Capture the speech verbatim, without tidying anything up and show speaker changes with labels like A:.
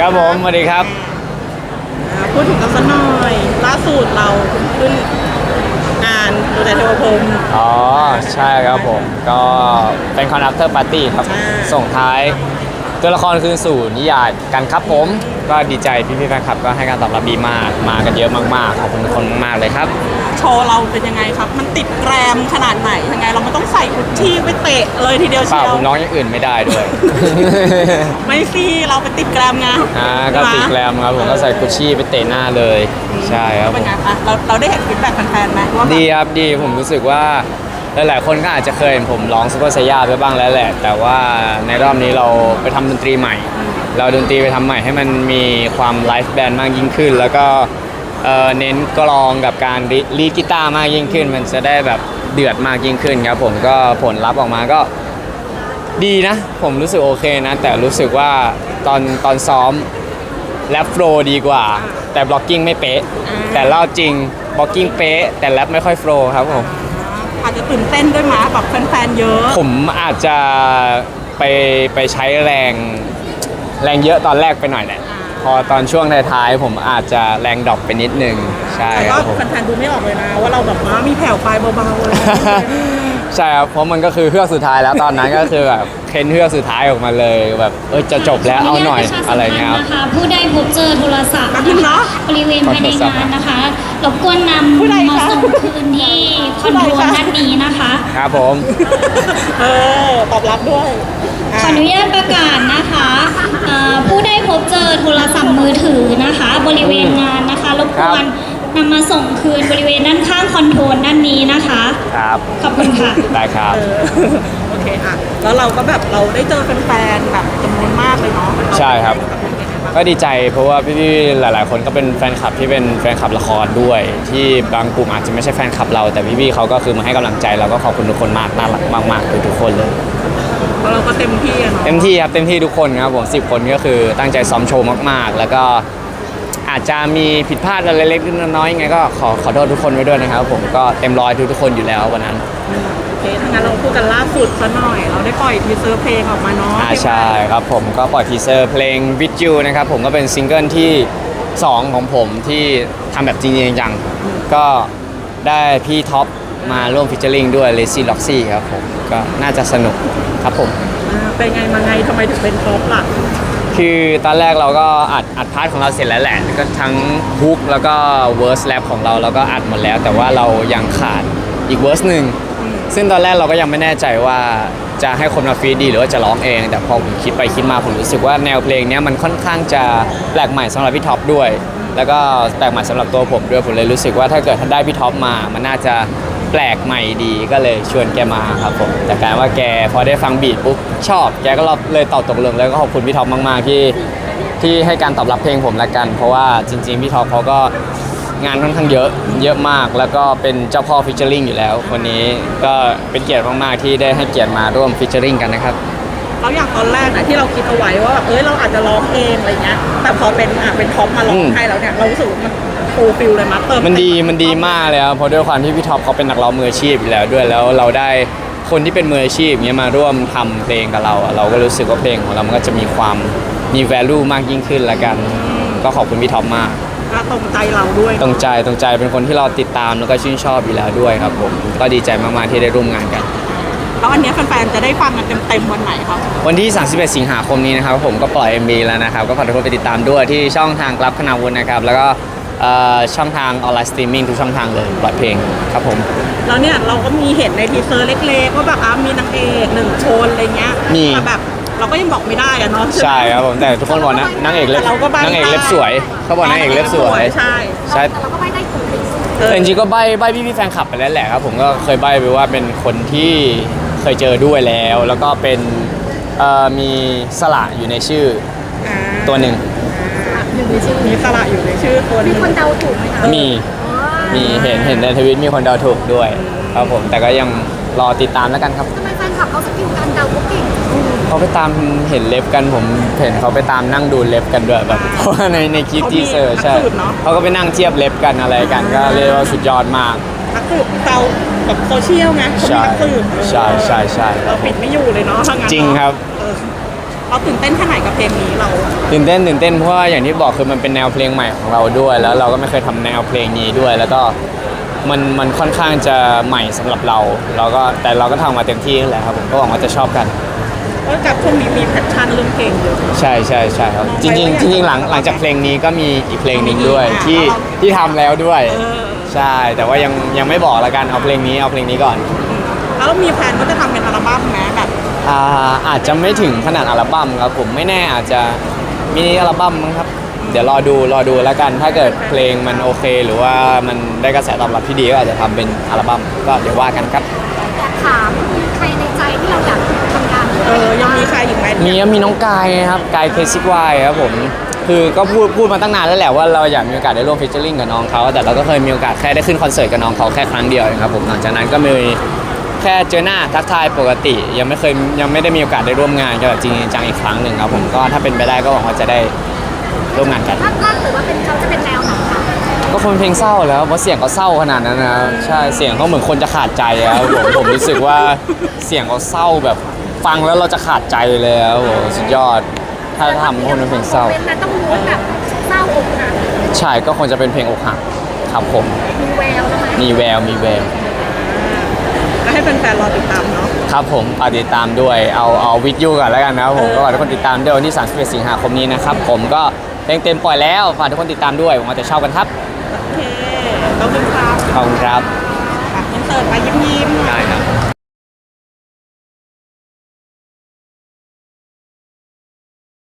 A: ครับผมสวัสดีครับ
B: พูดถึงกันสักหน่อยล่าสุดเราขึ้นงานดูใจเทวพรหม
A: อ๋อใช่ครับผมก็เป็นคอน after party ครับส่งท้ายตัวละครคืนสู่นิยายกันครับผมก็ดีใจพี่ๆแฟนคลับก็ให้การตอบรับดีมากมากันเยอะมากๆขอบคุณทุกคนมากๆเลยครับ
B: โชว์เราเป็นยังไงครับมันติดแกรมขนาดไหนยังไงเราไม่ต้องใส่กุชชี่ไปเตะเลยทีเดียวเชียว
A: ผมน้องอย่างอื่นไม่ได้ด้วย
B: ไม่สิเราไปติดแกรมไง
A: อ่าก็ติดแกรมครับผมก็ใส่กุชชี่ไปเตะหน้าเลยใช่ครับ
B: เป็นไงคะเราเราได้เห็นฟีดแบ็กแฟนๆไหมว่า
A: ดีครับดีผมรู้สึกว่าหลายๆคนก็อาจจะเคยเห็นผมร้องซูเปอร์ไซย่าไปบ้างแล้วแหละแต่ว่าในรอบนี้เราไปทำดนตรีใหม่เราดนตรีไปทำใหม่ให้มันมีความไลฟ์แบนด์มากยิ่งขึ้นแล้วก็เน้นกลองกับการลีดกีตาร์มากยิ่งขึ้นมันจะได้แบบเดือดมากยิ่งขึ้นครับผมก็ผลลัพธ์ออกมาก็ดีนะผมรู้สึกโอเคนะแต่รู้สึกว่าตอนตอนซ้อมแรปโฟล์ดีกว่าแต่บล็อกกิ้งไม่เป๊ะแต่เล่าจริงบล็อกกิ้งเป๊ะแต่แรปไม่ค่อยโฟล์ครับผม
B: อาจจะตื่นเต้นด้วยมั้ยแบบแฟนๆเยอะ
A: ผมอาจจะไปไปใช้แรงแรงเยอะตอนแรกไปหน่อยแหละพอตอนช่วงท้ายๆผมอาจจะแรงดรอปไปนิดนึงใช่
B: ครับผมแฟนๆดูไม่ออกเลยนะว่าเราแบบว่ามีแผ่วปลายเบาๆเลย
A: ใช่ครับเพราะมันก็คือเฮือกสุดท้ายแล้วตอนนั้นก็คือแบบเค้นเฮือกสุดท้ายออกมาเลยแบบเออจะจบแล้วเอาหน่อยอะไรเงี้ยครับ
C: ผู้ใดพบเจอโทรศัพท์นะคะบริเวณภายในงานนะคะรบกวนนำมาส่งคืนที่คอนโดด้านนี้นะคะ
A: ครับผม
B: เออตอบรับด้วย
C: ขออนุญาตประกาศนะคะผู้ได้พบเจอโทรศัพท์มือถือนะคะบริเวณงานนะคะรบกวนนำมาส่งคืนบริเวณด้านข้างคอนโทรลด้านนี้นะคะ
A: ครับ
C: ขอบคุณค่ะ
A: ได้ครับ
B: โอเคค่ะแล้วเราก็แบบเราได้เจอแฟนๆแบบจำนวนมากเลยเนาะ
A: ใช่ครับก็ดีใจเพราะว่าพี่ๆหลายๆคนก็เป็นแฟนคลับที่เป็นแฟนคลับละครด้วยที่บางกลุ่มอาจจะไม่ใช่แฟนคลับเราแต่พี่ๆเขาก็คือมาให้กำลังใจเราก็ขอบคุณทุกคนมากน่ารักมากๆทุกๆคนเลย
B: เพราะเราก็เต็มที่อะเนาะ
A: เต็มที่ครับเต็มที่ทุกคนครับผมสิบคนก็คือตั้งใจซ้อมโชว์มากๆแล้วก็อาจจะมีผิดพลาดอะไรเล็กๆน้อยๆยังไงก็ขอขอโทษทุกคนไว้ด้วยนะครับผมก็เต็มร้อยทุกๆคนอยู่แล้ววันนั้น
B: โอเคถ้างั้นเราพูดกันล่าสุดซะหน่อยเราได้ปล่อยทีเซอร์เพลงออกมาเนาะ
A: ใช่ครับผมก็ปล่อยทีเซอร์เพลง With You นะครับผมก็เป็นซิงเกิลที่สองของผมที่ทำแบบจริงๆจังๆก็ได้พี่ท็อปมาร่วมฟิชเชอร์ลิงด้วย Lazy Loxy ครับผมก็น่าจะสนุกครับผม
B: เป็นไงมาไงทำไมถึงเป็นท็อปล่ะ
A: คือตอนแรกเราก็อัดอัดพาร์ทของเราเสร็จแล้วแหละก็ทั้งฮุกแล้วก็เวิร์สแรปของเราเราก็อัดหมดแล้วแต่ว่าเรายังขาดอีกเวิร์สหนึ่งซึ่งตอนแรกเราก็ยังไม่แน่ใจว่าจะให้คนมาฟีดดีหรือว่าจะร้องเองแต่พอผมคิดไปคิดมาผมรู้สึกว่าแนวเพลงนี้มันค่อนข้างจะแปลกใหม่สำหรับพี่ท็อปด้วยแล้วก็แปลกใหม่สำหรับตัวผมด้วยผมเลยรู้สึกว่าถ้าเกิดได้พี่ท็อปมามันน่าจะแปลกใหม่ดีก็เลยชวนแกมาครับผมแต่การว่าแกพอได้ฟังบีทปุ๊บชอบแกก็เลยตอบตกลงแล้วก็ขอบคุณพี่ท็อปมากๆที่ที่ให้การตอบรับเพลงผมละกันเพราะว่าจริงๆพี่ท็อปเขาก็งานค่อนข้างเยอะเยอะมากแล้วก็เป็นเจ้าพ่อฟิชเชอร์ลิงอยู่แล้วคนนี้ก็เป็นเกียรติมากๆที่ได้ให้เกียรติมาร่วมฟิชเชอร์ลิงกันนะครับ
B: แล้วอย่างตอนแรกนะที่เราคิดเอาไว้ว่าเอ้ยเราอาจจะร้องเองอะไรเงี้ยแต่พอเป็นอ่ะเป็นท็อปมาร้องให้แล้วเนี่ยเรารู้สึกมันฟูลฟิลเลยมั้ยเติม
A: มันดีมันดีมากเลยครับเพราะด้วยความที่พี่ท็อปเขาเป็นนักร้องมืออาชีพอยู่แล้วด้วยแล้วเราได้คนที่เป็นมืออาชีพเงี้ยมาร่วมทำเพลงกับเราเราก็รู้สึกว่าเพลงของเรามันก็จะมีความมี value มากยิ่งขึ้นละกันก็ขอบคุณพี่ท็อปมาก
B: ก็ตรงใจเราด้วย
A: ตรงใจตรงใจเป็นคนที่เราติดตามแล้วก็ชื่นชอบอยู่แล้วด้วยครับผมก็ดีใจมากๆที่ได้ร่วมงานกัน
B: แล้วอันนี้แฟนๆจะได้ฟังกันเต็มๆวันไหนครับ
A: วันที่สามสิบเอ็ดสิงหาคมนี้นะครับผมก็ปล่อย เอ็ม วี แล้วนะครับก็ฝากทุกคนไปติดตามด้วยที่ช่องทางกลับคณาวุฒินะครับแล้วก็ช่องทางออนไลน์สตรีมมิ่งทุกช่องทางเลยปล่อยเพลงครับผม
B: แล้วเนี่ยเราก็มีเห็นในทีเซอร์เล็กๆว่าแบบอ่ะมีนางเอกหนึ่งคนอะไรเงี้ย
A: มี
B: แบบเราก็ยังบอกไม่ได้อะเนาะ
A: ใช่ครับผมแต่ทุกคนบอกนะนางเอกเล็บนางเอกเล็บสวยเขาบอกนางเอกเล็บสวย
B: ใช่
A: ใช่แต่เราก็ใบ้ได้ถูกแต่จริงๆก็ใบ้ใบ้พี่ๆแฟนคลับไปแล้วแหละครับผมก็เคยใบ้ไปว่าเป็นคนที่เคยเจอด้วยแล้วแล้วก็เป็นมีสระอยู่ในชื่อตัวหนึ่ง
B: มีสระอยู่ในชื่อคน
C: มีคนเดาถูกไหมคะ
A: มีมีเห็นเห็นในทวิตมีคนเดาถูกด้วยครับผมแต่ก็ยังรอติดตามแล้วกันครับ
C: ทำไมแฟนคลับเขาสกิลการเดาเขาเก่ง
A: เขาไปตามเห็นเล็บกันผมเห็นเขาไปตามนั่งดูเล็บกันด้วยแบบเพราะว่าในในคลิปทีเซอร์ใช่เขาก็ไปนั่งเทียบเล็บกันอะไรกันก็เรียกว่าสุดยอดมาก
B: นักสืบเตาแบบโซเชียลไง
A: ใช่ใช่ใช่ใช่
B: เราปิดไม่อยู่เลยเนาะ
A: จริงครับ
B: เราเราตื่นเต้นแค่ไหนกับเพลงนี้เรา
A: ตื่นเต้นตื่นเต้นเพราะว่าอย่างที่บอกคือมันเป็นแนวเพลงใหม่ของเราด้วย แล้วเราก็ไม่เคยทำแนวเพลงนี้ด้วย แล้วก็มันมันค่อนข้างจะใหม่สำหรับเราเราก็แต่เราก็ทำมาเต็มที่นั่นแหละครับผมก็หวังว่าจะชอบกัน
B: เพราะกับช่วงนี้มีแพชชั่นเรื่องเพลงเยอะ
A: ใช่ใช่ใช่ครับจริงๆจริงๆหลังหลังจากเพลงนี้ก็มีอีกเพลงหนึ่งด้วย
B: อ่า
A: ที่ที่ทำแล้วด้วย
B: เออ
A: ใช่แต่ว่ายังยังไม่บอกละกันเอาเพลงนี้เอาเพลงนี้ก่อน
B: แล้วมีแผนว่าจะทำเป็นอัลบั้มไหมแบบ
A: อ่าอาจจะไม่ถึงขนาดอัลบั้มครับผมไม่แน่อาจจะมินิอัลบั้มมั้งครับเดี๋ยวรอดูรอดูแล้วกัน ถ้าเกิดเพลงมันโอเค หรือว่ามันได้กระแสตอบรับที่ดีก็อาจจะทำเป็นอัลบั้มก็เดี๋ยวว่ากันครับ
D: อยากถามใครในใจที่เราอยากทำงานด้วย
B: เออยังมีใครอีกไหม
A: มีมีน้องกายครับกายเคซิกวายครับผมคือก็พูดพูดมาตั้งนานแล้วแหละว่าเราอยากมีโอกาสได้ร่วมฟีเจอริ่งกับน้องเขาแต่เราก็เคยมีโอกาสแค่ได้ขึ้นคอนเสิร์ตกับน้องเขาแค่ครั้งเดียวเองครับผมหลังจากนั้นก็มีแค่เจอหน้าทักทายปกติ ยังไม่เคยยังไม่ได้มีโอกาสได้ร่วมงานกันแบบจริงจังอีกครั้งหนึ่งครับผมก็ถ้าเป็นไปได้ก็หวังว่าจะได้ร่วมงานกัน
D: ถ้าถ้าถือว่าเป็นเขาจะเป็นแนวไหนคะ
A: ก็คงเป็นเพลงเศร้าแล้วเพราะเสียงเขาเศร้าขนาดนั้นนะใช่เสียงเขาเหมือนคนจะขาดใจอะครับผมผมรู้สึกว่าเสียงเขาเศร้าแบบฟังแล้วเราจะขาดใจเลยครับผมสุดยอดถ้าทำก็คงเป็นเพลงเศร้า
D: เป็นนั้นต้องรู้แบบเศร้าอกหัก
A: ใช่ก็คงจะเป็นเพลงอกหักครับผม
D: มีแววแล้วไหม
A: มีแววมีแวว
B: ก็ให้แฟนๆรอติดตามเนาะ
A: ครับผมฝากติดตามด้วยเอาเอาวิดยูก่อนแล้วกันนะครับผมก็ฝากทุกคนติดตามด้วยวันที่สามสิบเอ็ดสิงหาคมนี้นะครับผมก็เพลงเต็มปล่อยแล้วฝากทุกคนติดตามด้วยหวังว่าจะชอบกันครับ
B: โอเคต้องดูครับ
A: ขอบคุณครับ
B: อ่ะอินเสิร์ตไปยิ้มๆ
A: ได้ครับ